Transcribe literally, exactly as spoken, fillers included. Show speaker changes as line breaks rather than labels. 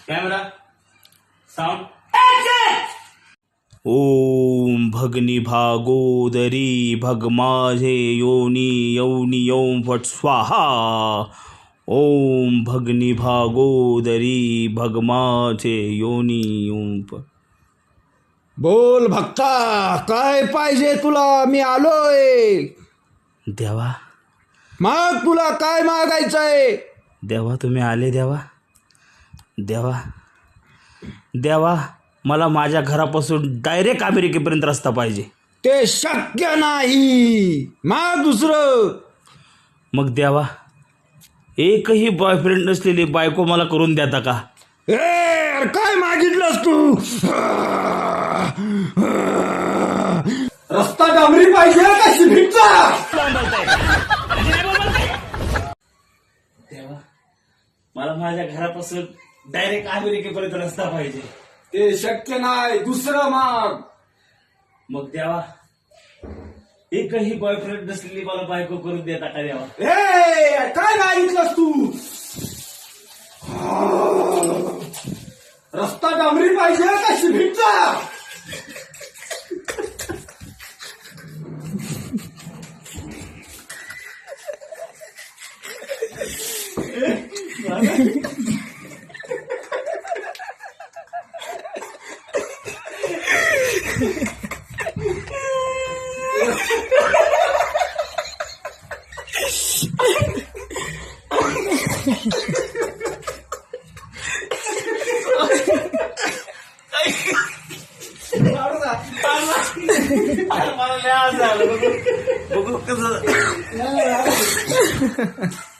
Camera sound.
ओम भगनी भागोदरी भग माझे योनी यौनी ओम फट स्वाहा. ओम भगनी भागोदरी भग माझे योनी ओम फट.
बोल भक्ता, काय पाहिजे तुला? मी आलोय.
देवा
माग, तुला काय मागायचंय?
देवा तुम्ही आले देवा. देवा देवा मला माझ्या घरापासून डायरेक्ट अमेरिकेपर्यंत रस्ता पाहिजे.
ते शक्य नाही. माग दुसरं.
मग देवा एकही बॉयफ्रेंड नसलेली बायको मला करून देता का?
ए अरे काय मागितलंस तू? रस्ता डांबरी पाहिजे का सिमेंटचा?
देवा मला माझ्या घरापासून डायरेक्ट अमेरिकेपर्यंत रस्ता पाहिजे.
ते शक्य नाही. दुसरं माग.
मग देवा एकही बॉयफ्रेंड नसलेली मला बायको करून देता का देवा?
ए काय मागितलंस तू? रस्ता डांबरी पाहिजे का सिमेंटचा?
मला लय आज झालं. बघू बघू कसं